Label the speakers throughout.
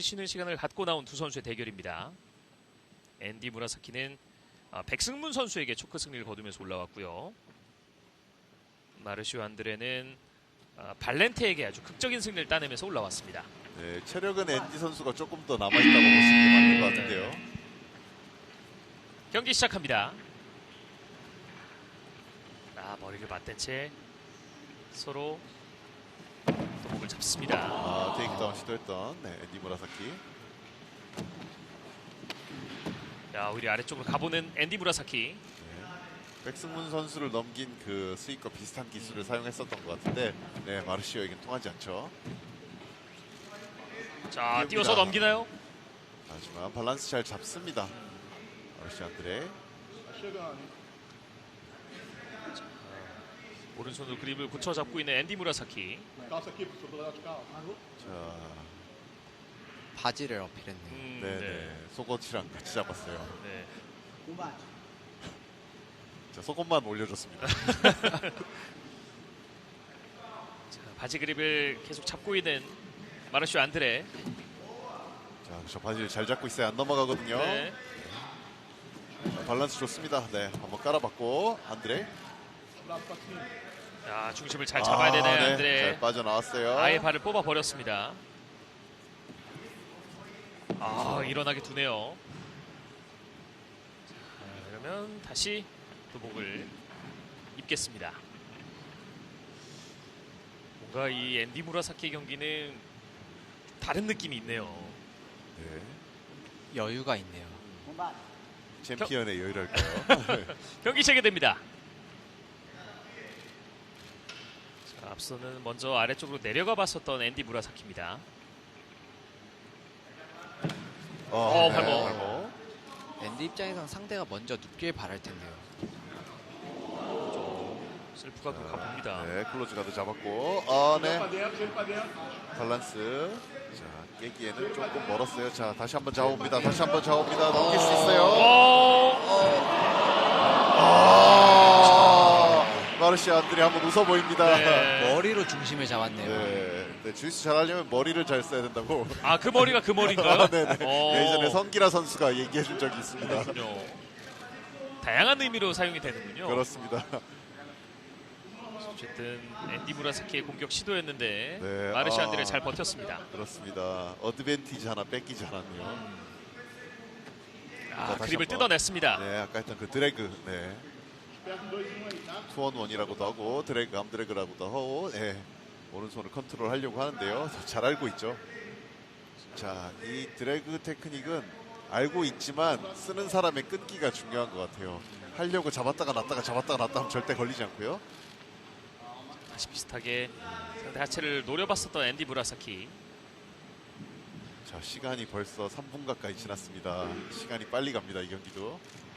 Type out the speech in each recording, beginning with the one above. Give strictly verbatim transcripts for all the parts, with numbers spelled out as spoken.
Speaker 1: 쉬는 시간을 갖고 나온 두 선수의 대결입니다. 앤디 무라사키는 백승문 선수에게 초크 승리를 거두면서 올라왔고요. 마르시오 안드레는 발렌테에게 아주 극적인 승리를 따내면서 올라왔습니다.
Speaker 2: 네, 체력은 앤디 선수가 조금 더 남아있다고 보시는 게 맞는 것 같은데요.
Speaker 1: 네. 경기 시작합니다. 아, 머리를 맞댄 채 서로 목을 잡습니다.
Speaker 2: 아, 테이크다운 시도했던 네, 앤디 무라사키.
Speaker 1: 자, 오히려 아래쪽으로 가보는 앤디 무라사키.
Speaker 2: 네, 백승문 선수를 넘긴 그 스윙과 비슷한 기술을 사용했었던 것 같은데 네, 마르시오에겐 통하지 않죠.
Speaker 1: 자, 띄워서 넘기나요?
Speaker 2: 하지만 밸런스 잘 잡습니다. 마르시오 안드레.
Speaker 1: 오른손으로 그립을 굳혀 잡고 있는 앤디 무라사키.
Speaker 2: 자,
Speaker 3: 바지를 어필했네요.
Speaker 1: 음,
Speaker 2: 네,
Speaker 1: 네.
Speaker 2: 네. 속옷이랑 같이 잡았어요.
Speaker 1: 네.
Speaker 2: 자, 속옷만 올려줬습니다.
Speaker 1: 자, 바지 그립을 계속 잡고 있는 마르시오 안드레.
Speaker 2: 자, 저 바지를 잘 잡고 있어야 안 넘어가거든요.
Speaker 1: 네.
Speaker 2: 자, 밸런스 좋습니다. 네, 한번 깔아봤고 안드레.
Speaker 1: 자, 중심을 잘 잡아야 되는
Speaker 2: 아, 네,
Speaker 1: 안드레.
Speaker 2: 잘 빠져나왔어요.
Speaker 1: 아예 발을 뽑아 버렸습니다. 아, 일어나게 두네요. 자, 그러면 다시 도복을 입겠습니다. 뭔가 이 앤디 무라사키 경기는 다른 느낌이 있네요.
Speaker 2: 네,
Speaker 3: 여유가 있네요.
Speaker 2: 챔피언의 여유랄까요?
Speaker 1: 경기 재개됩니다. 자, 앞서는 먼저 아래쪽으로 내려가 봤었던 앤디 무라사키입니다.
Speaker 2: 어,
Speaker 1: 어,
Speaker 2: 네,
Speaker 1: 발목.
Speaker 2: 발목.
Speaker 3: 앤디 입장에선 상대가 먼저 눕길 바랄 텐데요.
Speaker 1: 슬프가 그 가봅니다.
Speaker 2: 네, 클로즈 가드 잡았고, 아, 네. 밸런스. 자, 깨기에는 조금 멀었어요. 자, 다시 한번 잡아봅니다. 다시 한번 잡아봅니다. 넘길 수 있어요. 아, 마르시오 안드레 한번 웃어 보입니다.
Speaker 1: 네.
Speaker 3: 머리로 중심을 잡았네요.
Speaker 2: 네, 네, 주짓수 잘하려면 머리를 잘 써야 된다고.
Speaker 1: 아, 그 머리가 그 머리인가요?
Speaker 2: 아, 네네.
Speaker 1: 어.
Speaker 2: 예전에 성기라 선수가 얘기해 준 적이 있습니다.
Speaker 1: 그렇군요. 다양한 의미로 사용이 되는군요.
Speaker 2: 그렇습니다.
Speaker 1: 어쨌든 앤디 무라사키의 공격 시도였는데
Speaker 2: 네,
Speaker 1: 마르시오
Speaker 2: 아.
Speaker 1: 안드레 잘 버텼습니다.
Speaker 2: 그렇습니다. 어드밴티지 하나 뺏기지 않았네요.
Speaker 1: 아,
Speaker 2: 자, 다시
Speaker 1: 그립을
Speaker 2: 한번.
Speaker 1: 뜯어냈습니다.
Speaker 2: 네, 아까 했던 그 드래그, 네. 투원원이라고도 하고 드래그, 암드래그라고도 하고, 네. 오른손을 컨트롤 하려고 하는데요. 잘 알고 있죠. 자, 이 드래그 테크닉은 알고 있지만 쓰는 사람의 끈기가 중요한 것 같아요. 하려고 잡았다가 놨다가 잡았다가 놨다 하면 절대 걸리지 않고요.
Speaker 1: 다시 비슷하게 상대 하체를 노려봤었던 앤디 무라사키.
Speaker 2: 자, 시간이 벌써 삼 분 가까이 지났습니다. 시간이 빨리 갑니다, 이 경기도.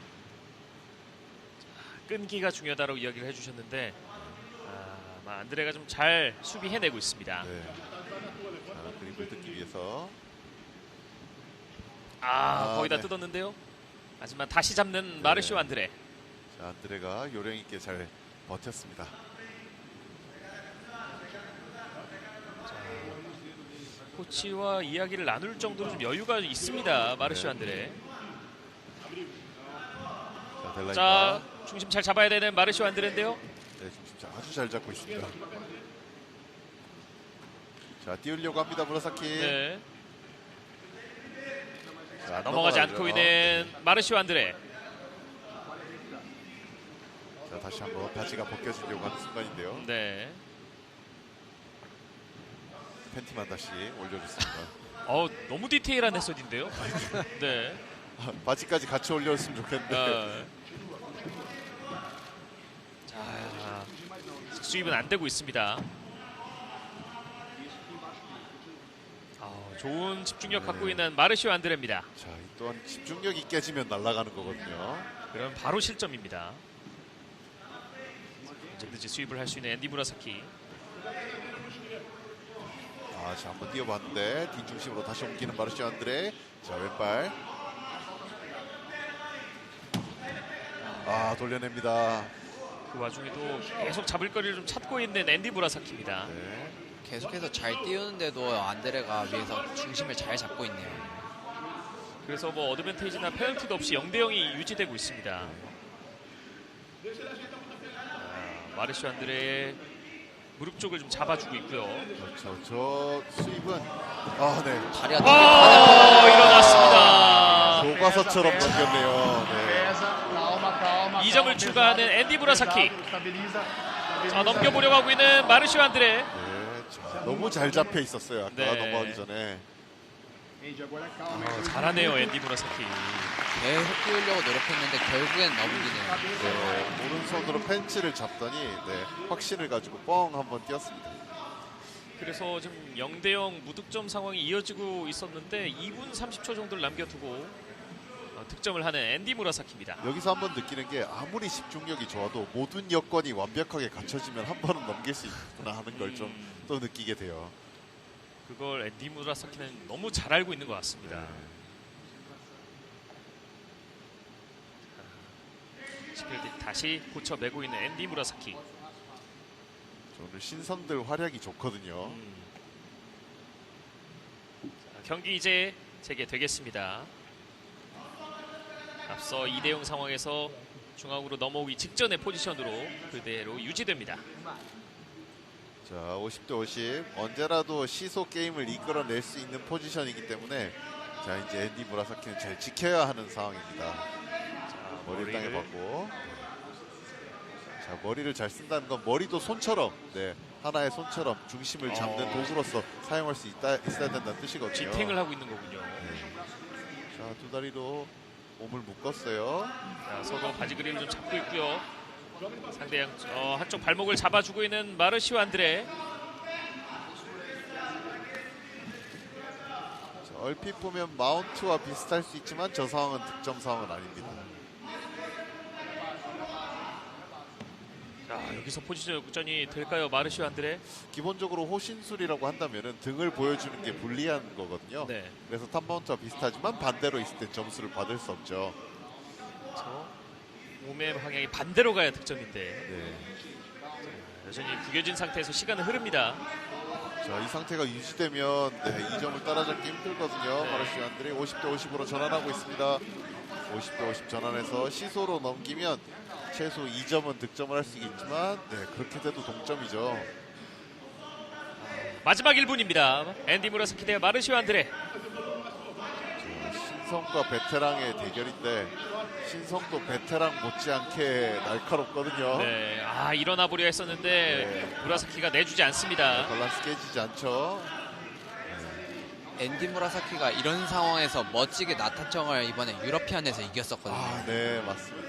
Speaker 1: 끈기가 중요하다고 이야기를 해주셨는데 아, 아마 안드레가 좀 잘 수비해내고 있습니다.
Speaker 2: 네. 자, 그립을 뜯기 위해서.
Speaker 1: 아,
Speaker 2: 아,
Speaker 1: 거의 다
Speaker 2: 네.
Speaker 1: 뜯었는데요. 하지만 다시 잡는 마르시오 안드레.
Speaker 2: 자, 안드레가 요령 있게 잘 버텼습니다.
Speaker 1: 코치와 이야기를 나눌 정도로 좀 여유가 있습니다. 마르시오
Speaker 2: 네.
Speaker 1: 안드레.
Speaker 2: 자, 델라이가.
Speaker 1: 자, 중심 잘 잡아야 되는 마르시오 안드레인데요.
Speaker 2: 네, 중심 아주 잘 잡고 있습니다. 자, 띄우려고 합니다, 무라사키.
Speaker 1: 네.
Speaker 2: 자, 안
Speaker 1: 넘어가지
Speaker 2: 넘어가죠.
Speaker 1: 않고 있는 마르시오 안드레.
Speaker 2: 자, 다시 한번 바지가 벗겨지려고 하는 순간인데요.
Speaker 1: 네.
Speaker 2: 팬티만 다시 올려줬습니다.
Speaker 1: 어, 너무 디테일한 해설인데요. 네.
Speaker 2: 아, 바지까지 같이 올려줬으면 좋겠는데.
Speaker 1: 어. 자, 수입은 안 되고 있습니다. 아, 좋은 집중력 갖고
Speaker 2: 네.
Speaker 1: 있는 마르시오 안드레입니다.
Speaker 2: 자, 이 또한 집중력이 깨지면 날아가는 거거든요.
Speaker 1: 그럼 바로 실점입니다. 언제든지 수입을 할 수 있는 앤디 무라사키.
Speaker 2: 아, 자, 한번 뛰어봤는데 뒷중심으로 다시 옮기는 마르시오 안드레. 자, 왼발. 아, 돌려냅니다.
Speaker 1: 그 와중에도 계속 잡을 거리를 좀 찾고 있는 앤디 무라사키입니다.
Speaker 2: 네.
Speaker 3: 계속해서 잘 띄우는데도 안드레가 위에서 중심을 잘 잡고 있네요.
Speaker 1: 그래서 뭐 어드밴테이지나 페널티도 없이 영 대 영이 유지되고 있습니다. 아, 마르시오 안드레의 무릎 쪽을 좀 잡아주고 있고요.
Speaker 2: 그렇죠. 저 수입은 아, 네.
Speaker 3: 다리가
Speaker 1: 오,
Speaker 3: 되게
Speaker 1: 일어났습니다.
Speaker 2: 교과서처럼 넘겼네요. 네.
Speaker 1: 이 점을 추가하는 앤디 무라사키. 자, 넘겨보려고 하고 있는 마르시오 안드레.
Speaker 2: 네, 자, 너무 잘 잡혀 있었어요. 아까
Speaker 1: 네.
Speaker 2: 넘어가기 전에.
Speaker 1: 어, 잘하네요, 앤디 무라사키.
Speaker 3: 계속 띄우려고 노력했는데 결국엔 넘기네요.
Speaker 2: 네, 오른손으로 펜치를 잡더니 네, 확신을 가지고 뻥 한번 뛰었습니다.
Speaker 1: 그래서 지금 영 대 영 무득점 상황이 이어지고 있었는데 이 분 삼십 초 정도를 남겨두고 어, 득점을 하는 앤디 무라사키입니다.
Speaker 2: 여기서 한번 느끼는 게 아무리 집중력이 좋아도 모든 여건이 완벽하게 갖춰지면 한 번은 넘길 수 있구나 하는 걸 좀 또 느끼게 돼요.
Speaker 1: 그걸 앤디 무라사키는 너무 잘 알고 있는 것 같습니다. 시필드 다시 고쳐 메고 있는 앤디 무라사키.
Speaker 2: 오늘 신선들 활약이 좋거든요.
Speaker 1: 음. 자, 경기 이제 재개되겠습니다. 앞서 이 대 영 상황에서 중앙으로 넘어오기 직전의 포지션으로 그대로 유지됩니다.
Speaker 2: 자, 오십 대 오십. 언제라도 시소 게임을 이끌어낼 수 있는 포지션이기 때문에 자, 이제 앤디 무라사키는 잘 지켜야 하는 상황입니다.
Speaker 1: 자,
Speaker 2: 머리를
Speaker 1: 머리를
Speaker 2: 땅에 박고. 자, 머리를 잘 쓴다는 건 머리도 손처럼, 네, 하나의 손처럼 중심을 잡는
Speaker 1: 어.
Speaker 2: 도구로서 사용할 수 있다, 있어야 된다는 뜻이거든요.
Speaker 1: 지탱을 하고 있는 거군요.
Speaker 2: 자, 두 다리로 몸을 묶었어요.
Speaker 1: 자, 서로 바지 그립을 좀 잡고 있고요. 상대 양, 어, 한쪽 발목을 잡아주고 있는 마르시오 안드레.
Speaker 2: 자, 얼핏 보면 마운트와 비슷할 수 있지만 저 상황은 득점 상황은 아닙니다.
Speaker 1: 자, 여기서 포지션 역전이 될까요, 마르시오 안드레?
Speaker 2: 기본적으로 호신술이라고 한다면은 등을 보여주는 게 불리한 거거든요.
Speaker 1: 네.
Speaker 2: 그래서 탑마운트와 비슷하지만 반대로 있을 때 점수를 받을 수 없죠.
Speaker 1: 그렇죠. 몸의 방향이 반대로 가야 득점인데
Speaker 2: 네.
Speaker 1: 여전히 구겨진 상태에서 시간은 흐릅니다.
Speaker 2: 자, 이 상태가 유지되면 네, 이 점을 따라잡기 힘들거든요.
Speaker 1: 네.
Speaker 2: 마르시오 안드레 오십 대 오십으로 전환하고 있습니다. 오십 대 오십 전환해서 시소로 넘기면 최소 이 점은 득점을 할 수 있겠지만 네, 그렇게 돼도 동점이죠.
Speaker 1: 마지막 일 분입니다. 앤디 무라사키 대 마르시오 안드레.
Speaker 2: 자, 신성과 베테랑의 대결인데 신성도 베테랑 못지않게 날카롭거든요.
Speaker 1: 네, 아 일어나 보려 했었는데
Speaker 2: 네.
Speaker 1: 무라사키가 내주지 않습니다.
Speaker 2: 밸런스 깨지지 않죠.
Speaker 3: 앤디 무라사키가 이런 상황에서 멋지게 나타청을 이번에 유러피안에서 이겼었거든요.
Speaker 2: 아, 네, 맞습니다.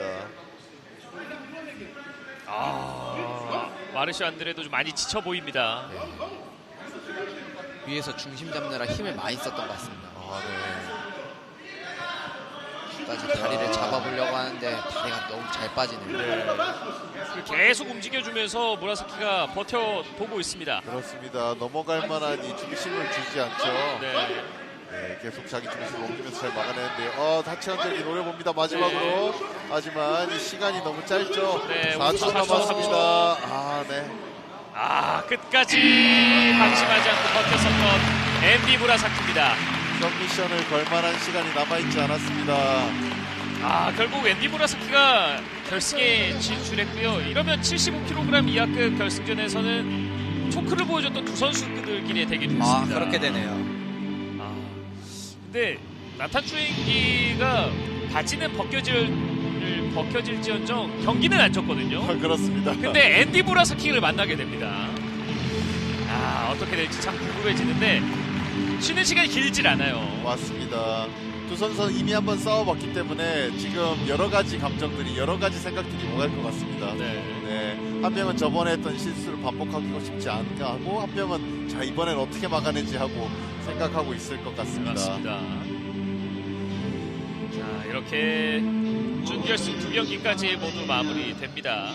Speaker 1: 아, 마르시오 안드레도 좀 많이 지쳐 보입니다.
Speaker 3: 위에서 중심 잡느라 힘을 많이 썼던 것 같습니다.
Speaker 2: 아, 네.
Speaker 3: 까지 다리를 잡아보려고 하는데 다리가 너무 잘 빠지네요.
Speaker 1: 네. 계속 움직여주면서 무라사키가 버텨보고 있습니다.
Speaker 2: 그렇습니다. 넘어갈 만한 이 중심을 주지 않죠.
Speaker 1: 네.
Speaker 2: 네, 계속 자기 중심을 옮기면서 잘 막아내는데요. 어, 다치한적이 노려봅니다. 마지막으로.
Speaker 1: 네.
Speaker 2: 하지만 이 시간이 너무 짧죠.
Speaker 1: 네,
Speaker 2: 사 초
Speaker 1: 사 초,
Speaker 2: 남았습니다. 아, 네.
Speaker 1: 아, 끝까지 방심하지 않고 버텼었던 앤디 무라사키입니다.
Speaker 2: 전 미션을 걸 만한 시간이 남아있지 않았습니다.
Speaker 1: 아, 결국 앤디 무라사키가 결승에 진출했고요. 이러면 칠십오 킬로그램 이하급 결승전에서는 초크를 보여줬던 두 선수들끼리의 대결이
Speaker 3: 아,
Speaker 1: 됐습니다.
Speaker 3: 그렇게 되네요.
Speaker 1: 아, 근데 나탄 추행기가 바지는 벗겨질 벗겨질지언정 경기는 안 졌거든요.
Speaker 2: 아, 그렇습니다.
Speaker 1: 근데 앤디 무라사키를 만나게 됩니다. 아, 어떻게 될지 참 궁금해지는데 쉬는 시간이 길질 않아요.
Speaker 2: 맞습니다. 두 선수는 이미 한번 싸워봤기 때문에 지금 여러 가지 감정들이 여러 가지 생각들이 오갈 것 같습니다.
Speaker 1: 네.
Speaker 2: 네, 한 명은 저번에 했던 실수를 반복하기가 쉽지 않은가 하고 한 명은 자 이번엔 어떻게 막아내지 하고 생각하고 있을 것 같습니다.
Speaker 1: 맞습니다. 자, 이렇게 준결승 두 경기까지 모두 마무리됩니다.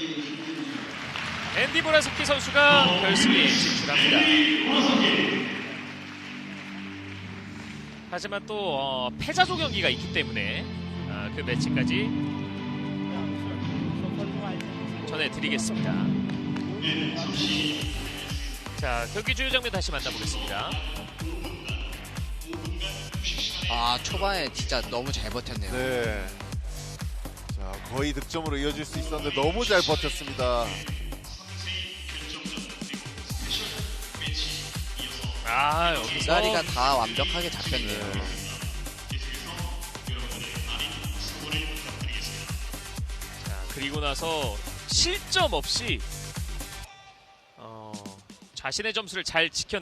Speaker 1: 앤디 무라사키 선수가 결승에 진출합니다. 하지만 또 어, 패자조 경기가 있기 때문에 어, 그 매치까지 전해드리겠습니다. 자, 경기 주요 장면 다시 만나보겠습니다.
Speaker 3: 아, 초반에 진짜 너무 잘 버텼네요.
Speaker 2: 네. 자, 거의 득점으로 이어질 수 있었는데 너무 잘 버텼습니다.
Speaker 1: 아, 여기서
Speaker 3: 자리가 다 완벽하게 잡혔네요.
Speaker 2: 네.
Speaker 1: 자, 그리고 나서 실점 없이 어, 자신의 점수를 잘 지켜